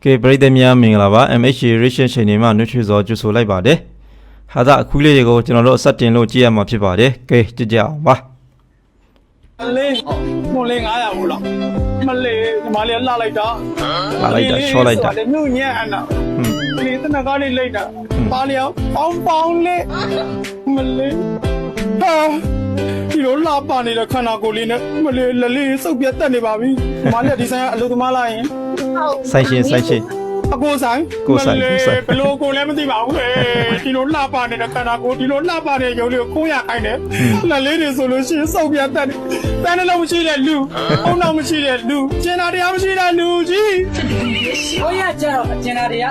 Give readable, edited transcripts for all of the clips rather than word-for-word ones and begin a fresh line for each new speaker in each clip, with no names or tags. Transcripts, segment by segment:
ကဲပရိသတ်များမင်္ဂလာပါ MH Reaction Channel မှာနှွှေးစောကြိုဆိုလိုက်ပါတယ်ဟာသာအခုလေးတွေကိုကျွန်တော်တို့စတင်လို့ကြည့်ရမှာဖြစ်ပါတယ်ကဲကြည့်ကြအောင်ပါ
လေးမလေး900ဘူးလားမလေးညီမလေးလှလိုက်တာ
ချောလိုက်တာ
ညညံ့အနာလေးတနကားလေးလိုက်တာပါလျောင်းပေါင်းလေးမလေးဟာဒီလိုလှပနေတဲ့ခန္ဓာကိုယ်လေးနဲ့မလေးလလေးစုပ်ပြတ်တက်နေပါပြီညီမလေးဒီဆိုင်ကအလုပ်သမားလာရင်
ဆိုင်ရှင်
အကိုဆိုင်ဘလို့ကိုလည်းမသိပါဘူးဒီလိုလှပနေတဲ့ခန္ဓာကိုယ်ဒီလိုလှပတဲ့ရုပ်လေးကိုကိုရခိုင်းတယ်လလေးတွေဆိုလို့ရှိရင်စုပ်ပြတ်တက်တယ်တန်းလုံးမရှိတဲ့လူအုံနောက်မရှိတဲ့လူကျင်နာတရားမရှိတဲ့လူကြီး
我也知道，今天的呀。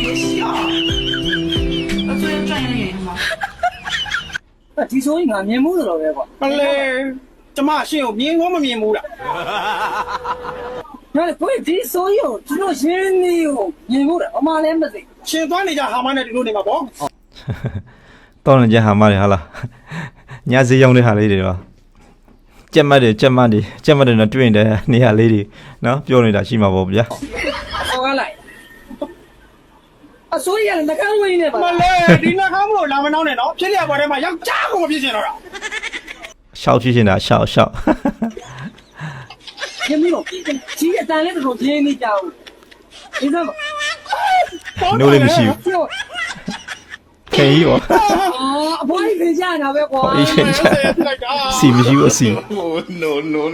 我昨天转一眼嘛。听说应该面目的了呗？
မလေးကျမရှင်းကိုမြင်ကောမမြင်ဘူးလား
那不会听说有，只有心里有面目的，我妈来没得。
ရှင်သွားနေကြဟာမနဲ့ဒီလိုနေမှာပေါ့
တောင်းနေကြဟာမတွေဟာလားညစီရောင်းတဲ့ဟာလေးတွေပါကြက်မတ်တွေနဲ့တွေ့နေတဲ့နေရာလေးတွေနော်ပြောနေတာရှိမှာပေါ့ဗျာ
好个来。所以那看我呢吧。
မလေးဒီနှာခေါင်းမလို့လာမနှောင်းနဲ့နော်ဖြစ်ရပေါ်ထဲမှာယောက်ျားကိုမဖြစ်ချင်တော့တာ
ရှောက်ဖြစ်နေတာရှောက်
也没有，今天单来的时候天没家务，你知道吗？
နိုးလေးမရှိဘူးခင်ကြီးရော
不会分享那边瓜。
以前စီမရှိဘူးအစီ
no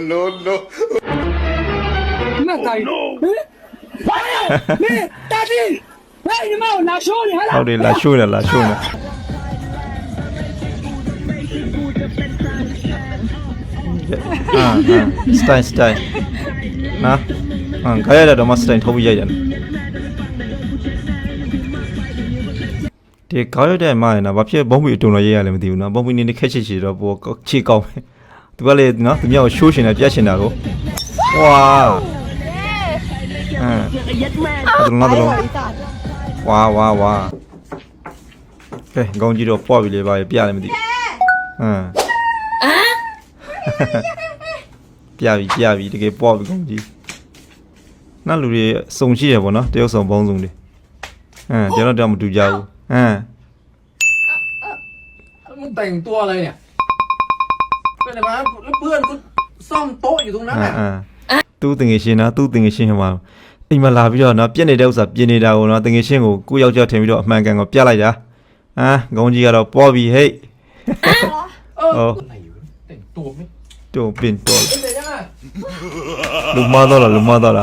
那干的？你大弟，来你妈我拿手你还
ဟုတ်တယ်လာရှိုးနေစတိုင်နော်ခါရတဲ့တော့မစတိုင်ထုတ်ပြီးရိုက်တယ်ဒီခါရတဲ့မှာနော်ဘာဖြစ်ဘုံမီအတုံတော့ရေးရလဲမသိဘူးနော်ဘုံမီနေခက်ချစ်တော့ပိုချေကောင်းသူကလေနော်သူမြောက်ရှိုးရှင်တယ်ပြတ်ရှင်တာကိုဝါအဲ့ဒါဝါကဲကောင်းကြီးတော့ပွားပြီလေပါပြရတယ်မသိပြပြီတကယ်ပွားပြီကောင်းကြီးနောက်လူတွေစုံရှိရပေါ့နော်တယောက်စုံပေါင်းစုံတွေကျွန်တော်တော့မတူကြဘူး
มึงแต่งตัวอะไรเนี่ยเป็นอะไรมาแล้วเพื่อนกูซ่อมโต๊ะอยู่ตรงนั้นน่ะ
သူ့တင်ငယ်ရှင်နော်သူ့တင်ငယ်ရှင်ဟိုမှာအိမ်မှာလာပြီးတော့နော်ပြက်နေတဲ့ဥစ္စာပြင်နေတာကိုနော်တင်ငယ်ရှင်ကိုကိုယောက်ျားထင်ပြီးတော့အမှန်ကန်ကိုပြလိုက်တာခေါင်းကြီးကတော့ပွားပြီဟဲ့
แต่งตัวไม่
တော့ပင်တော့
เป็นยังไง
လူမတော့လားဟူ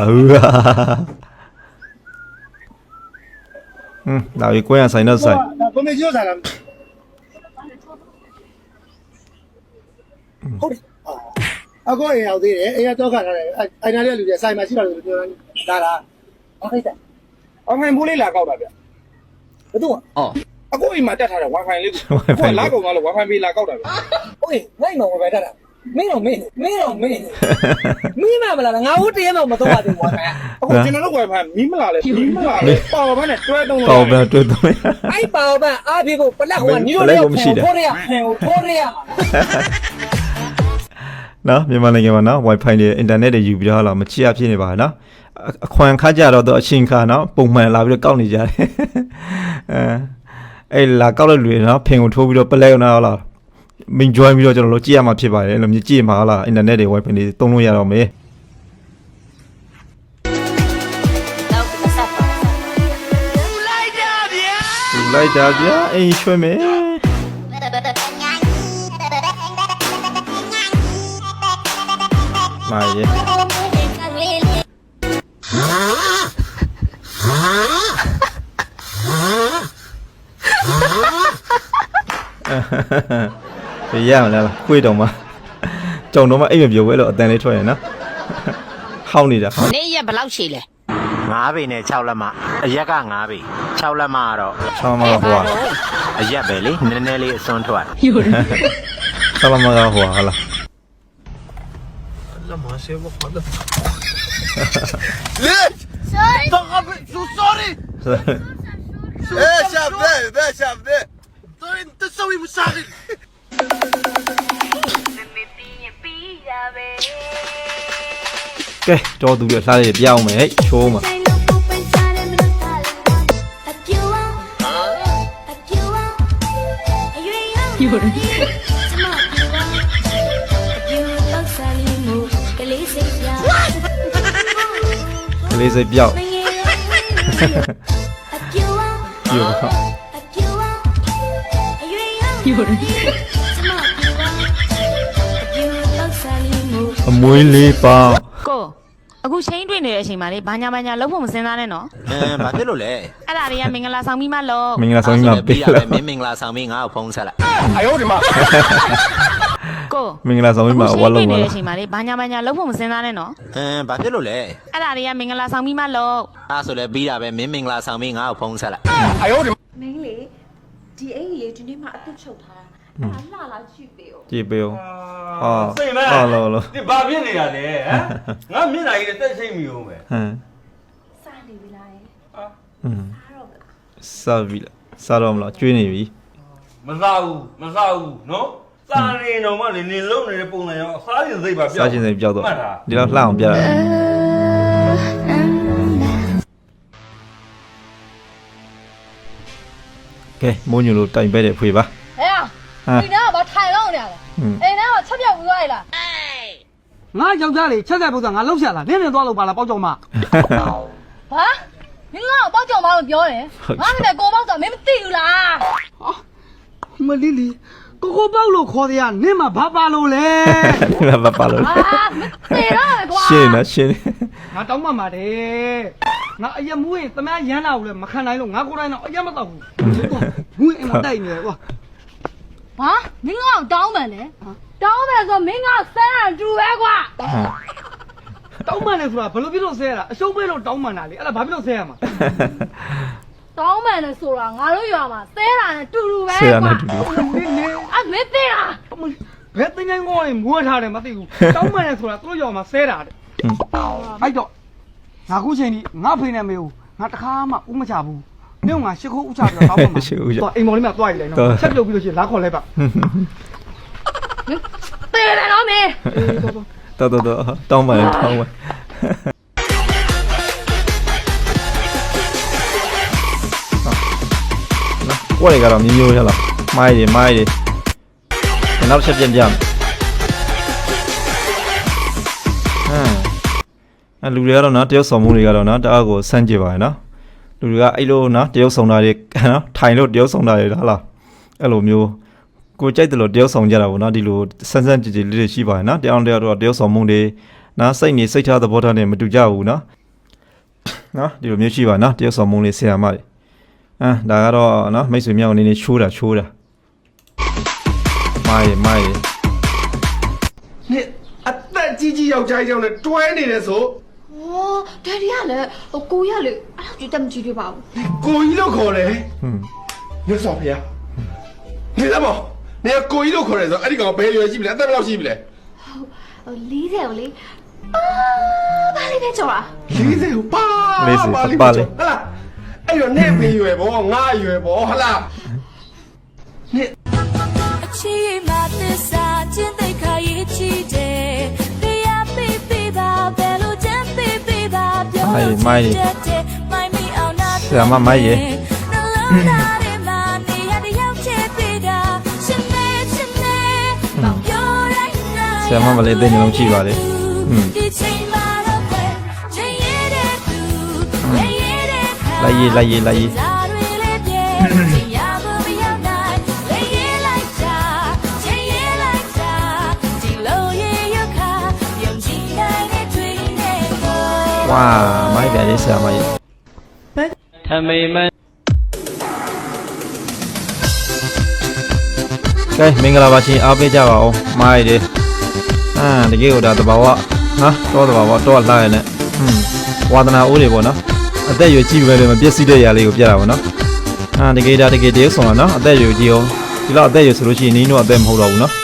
လာပြီးကိုရဆိုင်တော့ဆိုင်
ကိုမေကျော်ဆိုင်လားဟုတ်တယ်အကောအိမ်ရောက်သေးတယ်အိမ်ကတော့ခါထားတယ်အိုင်နာလေးလူတွေဆိုင်မှာရှိတာလို့ပြောတာလားဟုတ်ကဲ့အမှန်ဘူးလေးလာကောက်တာဗျဘယ်သူအကောအိမ်မှာတက်ထားတဲ့ wifi လေးကိုလာကုန်သွားလို့ wifi ပေးလာကောက်တာဗျ
ဟုတ်နိုင်မှာ wifi တက်တာမင်းတော့မင်းမမလားငါဦးတည်းမှမတော့ပါဘူး wifi
အခုကျွန်တော်တို့ wifi မီးမလာလဲပါဝါဘနဲ့တွဲတုံးလို့
အဲ့ပါဝါအားပြေကိုပလက်ဟိုကနီးလို့ထိုးရ
နော်မြန်မာနိုင်ငံမှာနော် wifi တွေ internet တွေယူပြီးတော့လာမချရဖြစ်နေပါနော်အခွန်ခါကြတော့အချင်းခါနော်ပုံမှန်လာပြီးတော့ကောက်နေကြတယ်အဲ့လာကောက်တဲ့လူတွေနော်ဖင်ကိုထိုးပြီးတော့ပလက်နော်လားမင်း join ပြီးတော့ကျွန်တော်တို့ကြည့်ရမှာဖြစ်ပါတယ်အဲ့လိုမျိုးကြည့်မှာလား internet တွေ wifi တွေသုံးလို့ရတော့မယ်လိုက်တာဗျာအိမ်ရွှေမယ်မာရေရမလားခွေးတော့မှကြုံတော့မှအိမ်မပြောဘဲလို့အတန်လေးထွက်ရနော်ဟောင်းနေတာ
နေရက်ဘယ်လောက်ရှိလဲ
9ပေနဲ့6လက်မအရက်က9ပေ6လက်မကတော့
6မဟို
အရက်ပဲလေနည်းနည်းလေးအစွန်းထွက်
6လက်မကဟိုဟာလား
လက်မရှိဘူးခေါ်တယ်
လေ
sorry don't have so sorry
شاب
انت تسوي مساعد
Okay, cho tụi được sao để béo mày ấy, show mà.
有人。
ကလေးစိတ်ပြောက်ပြော
有人。
အမွေးလေးပေါက်
ကိုအခုချင်းတွေ့နေတဲ့အချိန်မှာလေဘာညာလုံးဖို့မစင်စားနဲ့နော်
ဘာဖြစ်လို့လဲ
အဲ့ဒါတွေကမင်္ဂလာဆောင်ပြီးမှလို့
မင်္ဂလာဆောင်ကြီးမှာပေး
ရ
လာ
ပဲမင်းမင်္ဂလာဆောင်ပြီးငါ့ကိုဖုန်းဆက်လိုက်
ကို
မင်္ဂလာဆောင်ကြီးမှာဝါလုံး
နေ
ပါ
တဲ့အ
လား
ချိန်မှာလေဘာညာလုံးဖို့မစင်စားနဲ့နော်
ဘာဖြစ်လို့လဲ
အဲ့ဒါတွေကမင်္ဂလာဆောင်ပြီးမှလို့
အဲ့ဆိုလဲပြီးတာပဲမင်းမင်္ဂလာဆောင်ပြီးငါ့ကိုဖုန်းဆက်လိုက်
မင်းလေဒီအိမ်ကြီးလေဒီနေ့မှအတုချုပ်ထားတာအဲ့ဒါလှလာကြည့်ပေးဦး
ကြည့်ပေးအောင်ဟာ
စိတ်မဲ
ဟာလောလော
ဒီဘာဖြစ်နေတာလဲဟမ်ငါမျက်နှာကြီးနဲ့တက်ချိတ်မိအောင်ပဲ
ဟမ်
စနေပြီလား
ဟမ်
အားတော့မလား
စားပြီလားစားတော့မလားကျွေးနေပြီ
မစားဘူးနော်စားနေတော့မှလေနေလုံးနေတဲ့ပုံစံရောအစားရင်စိတ်ပါပြောက်
စားခြင်းစိတ်ပြောက်တော့
မှတ်တာ
ဒီတော့လှအောင်ပြတာကဲမိုးညိုလိုတိုင်ပဲတဲ့ဖွေပါ
哎呀，
ဟမ်
你那把太浪的了，
ဟွန်း
哎，那把车票不来了。
ငါယောက်ျားလေးချက်ဆက်ပုံစံငါလှုပ်ရှာလာနင်းနေသွားလို့ပါလားပေါက်ကြောင်မ
啊，你那包饺包的表嘞，俺们那锅包饺没丢啦。
မလီလီကိုပေါက်လို့ခေါ်တယ်ကနင်းမှာဘာပါလို့လဲ
ဘာပါလို့
啊，没丢了瓜。
ရှင်းနော်ရှင်း
ငါတောင်းမှမှာတယ်ငါအရက်မူးရင်သမ ्या ရမ်းလာဘူးလေမခံနိုင်လို့ငါကိုယ်တိုင်တော့အရက်မတော့ဘူးမူးရင်မတိုက်နေတယ်ကွာ
啊，你那当门嘞？当门说明俺三人住外瓜。
တောင်းမှန်တယ်ဆိုတာဘယ်လိုဖြစ်လို့ဆဲရတာအရှုံးပေးလို့တောင်းမှန်တာလေအဲ့ဒါဘာဖြစ်လို့ဆဲရမှာ
当门的说了，俺都要嘛，三人住外
ဆရာနဲ့တူ
瓜。
တူ
နင်းနေ
啊，没丢啦。
ဘယ်တင်ငန်းကောင်းရင်မွေးထားတယ်မသိဘူးတောင်းမှန်တယ်ဆိုတာသူတို့ရောက်မှာဆဲတာတဲ့အဲ့တော့ငါခုချိန်ကြီးငါဖေနဲ့မေကိုငါတခါမှဥမချဘူးမြို့ငါရှစ်ခိုးဥချပြီးတော့တောင်းမှမှာတော့အိမ်မော်လေးမှာတွားရည်လိုက်နော်ချက်ပြုတ်ပြီးလို့ရှိရင်လာခေါ်လိုက်ပါ
丢了老妹。
တော်တောင်းပါလေတောင်းပါကွက်တွေကတော့မျိုးမျိုးရလားမိုင်းတွေနောက်ချက်ပြန်ဟမ်လူတွေကတော့နော်တရုတ်ဆောင်မှုတွေကတော့နော်တအားကိုစမ်းကြည့်ပါရနော်လူတွေကအဲ့လိုနော်တရုတ်ဆောင်တာတွေနော်ထိုင်လို့တရုတ်ဆောင်တာတွေလားအဲ့လိုမျိုးကိုကြိုက်တယ်လို့တရုတ်ဆောင်ကြတာပေါ့နော်ဒီလိုစမ်းကြည့်လေးတွေရှိပါရနော်တယောက်တော့တရုတ်ဆောင်မှုတွေနော်စိတ်ထားသဘောထားနဲ့မတူကြဘူးနော်ဒီလိုမျိုးရှိပါနော်တရုတ်ဆောင်မှုလေးဆရာမတွေဒါကတော့နော်မိတ်ဆွေမြောက်အနေနဲ့ချိုးတာမိုင်း
你啊，但鸡要加一张的，专业的说，
哦爹哋ရလေကိုရလေအဲ့လောက်ကြည့်တမ်းကြည့်ပြပါဦး
故意都考嘞，你少赔啊？你怎么？你要故意都考嘞？说，哎，你讲白月是不嘞？怎么老是不嘞？
40ကိုလေအာဘာလေးပဲကြော်လား
40八，好啦，哎呦，你白月不，我月不，好啦，你。
မိုင်းဆရာမမိုင်းရေဆရာမမလေးသိနေလုံးကြည့်ပါလေလိုက်ရေးဝါမိုင်းပြန်လေးဆရာမရေထမိန်မကဲမင်္ဂလာပါရှင်အားပေးကြပါဦးမိုင်းရေတကယ်ကိုဒါတဘာဝတော့တဘာဝတော့လာရနဲ့ဝါသနာအိုးတွေပေါ့နော်အသက်ရွယ်ကြီးပဲလေမပြည့်စည်တဲ့ຢာလေးကိုပြတာပေါ့နော်တကယ်တည်းဆောင်တာနော်အသက်ရွယ်ကြီးအောင်ဒီလောက်အသက်ရွယ်ဆိုလို့ရှိရင်နင်းတော့အသက်မဟုတ်တော့ဘူးနော်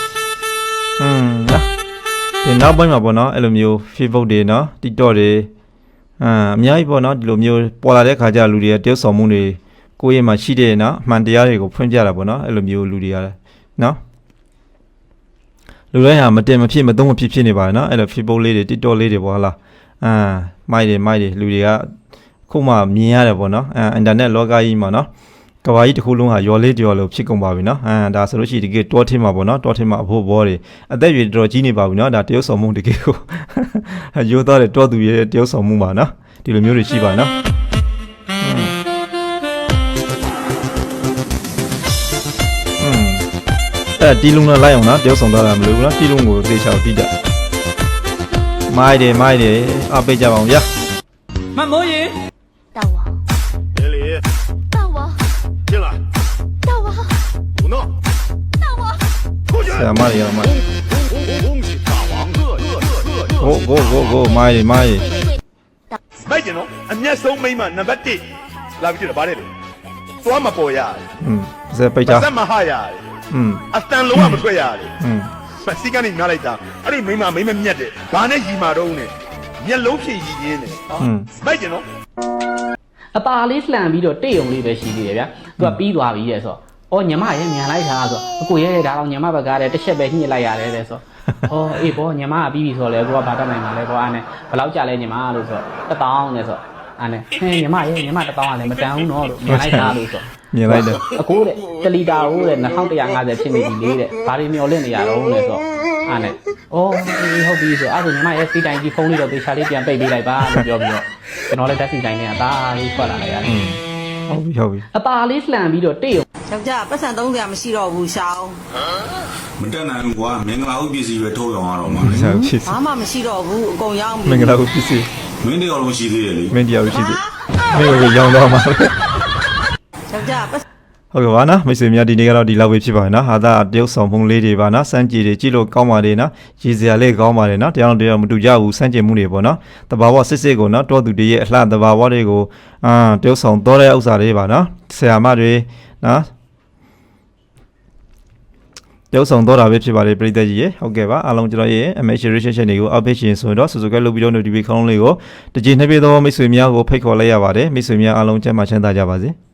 ဒီနောက်ပိုင်းမှာပေါ့နော်အဲ့လိုမျိုး Facebook တွေနော် TikTok တွေအများကြီးပေါ့နော်ဒီလိုမျိုးပေါ်လာတဲ့ခါကျလူတွေကတယောက်ဆောင်မှုတွေကိုယ့်ရဲ့မှာရှိတဲ့နော်အမှန်တရားတွေကိုဖွင့်ပြတာပေါ့နော်အဲ့လိုမျိုးလူတွေကနော်လူတိုင်းဟာမတင်မဖြစ်မသုံးမဖြစ်နေပါနော်အဲ့လို Facebook လေးတွေ TikTok လေးတွေပေါ့ဟာလားမိုက်တွေလူတွေကခုမှမြင်ရတယ်ပေါ့နော်အင်တာနက်လောကကြီးမှာနော်ကကဘာကြီးတစ်ခုလုံးဟာရော်လေးတရော်လို့ဖြစ်ကုန်ပါပြီနော်ဒါဆိုလို့ရှိရင်ဒီကတောထင်းမှာပေါ့နော်တောထင်းမှာအဖို့ဘောတွေအသက်ရွယ်တော်ကြီးနေပါပြီနော်ဒါတရုပ်ဆောင်မှုတကယ်ကိုရိုးသားတဲ့တောသူရဲ့တရုပ်ဆောင်မှုပါနော်ဒီလိုမျိုးတွေရှိပါနော်တီလုံးနဲ့လိုက်အောင်နော်တရုပ်ဆောင်သွားတာမလို့ဘူးနော်တီလုံးကိုသေချာတီးကြမိုက်တယ်အပိတ်ကြပါအောင်ဗျာ
မမိုးရေ
大王，
别理，
大王，
进来，
大王，
不闹，
大王，
出去。
ဆရာမတွေရမ
恭喜大王
go မိုက်တယ်
မိုက်ကျင်နော်အမျက်ဆုံးမိန်းမနံပါတ်1လာပြီးကြည့်တော့ဗါတယ်လေသွားမပေါ်ရတယ်
ဇက်ပိတ်ကြ
စက်မဟရတယ်အတန်လုံးဝမထွက်ရတယ်စီကနေများလိုက်တာအဲ့ဒီမိန်းမမြတ်တယ်ဘာနဲ့ရီမာတော့နဲ့မျက်လုံးဖြည့်ရည်ရင်းတယ်မိုက်ကျင်နော်
အပါလေးလှန်ပြီးတော့တိတ်ုံလေးပဲရှိသေးတယ်ဗျာသူကပြီးသွားပြီရဲ့ဆိုတော့ညီမရဲ့မြန်လိုက်တာဆိုအကိုရဲ့ဒါတော့ညီမဘက်ကလည်းတစ်ချက်ပဲညှစ်လိုက်ရတယ်တဲ့ဆိုအေးဘောညီမကပြီးပြီဆိုတော့လေကိုကဘာတတ်နိုင်မှာလဲဘောအားနဲ့ဘယ်လောက်ကြာလဲညီမလို့ဆိုတော့1000နဲ့ဆိုအားနဲ့ညီမ1000ကလည်းမတန်ဘူးနော်လို့မြန်လိုက်တာလို့ဆို
မြင်လိုက်တယ်
အကိုတဲ့1လီတာဟုတ်တဲ့2150ဖြစ်နေပြီလေတဲ့ဘာတွေမျောလင့်နေရတော့လဲဆိုအားနဲ့ဟုတ်ပြီဆိုအဲ့ဒါညီမရဲ့စီတိုင်းကြီးဖုန်းလေးတော့သေချာလေးပြန်ပိတ်ပေးလိုက်ပါလို့ပြောပြီးတော့ကျွန်တော်လည်းတက်စီတိုင်းနဲ့ဒါလေးထွက်လာလိုက်ရတယ်
ဟုတ်ပြီ
အပါလေးလှန်ပြီးတော့တိတ်ုံ
ယောက်ျားပတ်စံ300မရှိတော့ဘူးရှောင်း
မတက်နိုင်ဘူးကွာမင်္ဂလာဥပစ္စည်းပဲထုတ်ရောင်းရတော့မှာလေ
ဆက်ဖြစ်
ဘာမှမရှိတော့ဘူးအကုန်ရောင်း
မင်္ဂလာကိုဖြစ်စီ
မင်းတရားလုံးရှိသေးတယ်လေ
မင်းတရားရှိသေးမင်းကိုရောင်းတော့မှာ
ယောက်ျားပတ်
ဟုတ်ကဲ့ပါနော်မိတ်ဆွေများဒီနေ့ကတော့ဒီလောက်ပဲဖြစ်ပါမယ်နော်ဟာသာတရုပ်ဆောင်မှုလေးတွေပါနော်စမ်းကြည့်တွေကြည့်လို့ကောင်းပါတယ်နော်ရည်စရာလေးကောင်းပါတယ်နော်တရားတော်မတူကြဘူးစမ်းကြည့်မှုတွေပေါ့နော်တဘာဝစစ်စစ်ကိုနော်တောသူတွေရဲ့အလှတဘာဝတွေကိုတရုပ်ဆောင်တော်တဲ့ဥစ္စာတွေပါနော်ဆရာမတွေနော်တရုပ်ဆောင်တော်တာပဲဖြစ်ပါတယ်ပြည်သက်ကြီးရေဟုတ်ကဲ့ပါအားလုံးကျွန်တော်ရဲ့ MH Relationship တွေကို update ရှင်ဆိုတော့subscribe လုပ်ပြီးတော့ notification လေးကိုတကြည်နှစ်ပြည့်သောမိတ်ဆွေများကိုဖိတ်ခေါ်လိုက်ရပါတယ်မိတ်ဆွေများအားလုံးကျန်းမာချမ်းသာကြပါစေ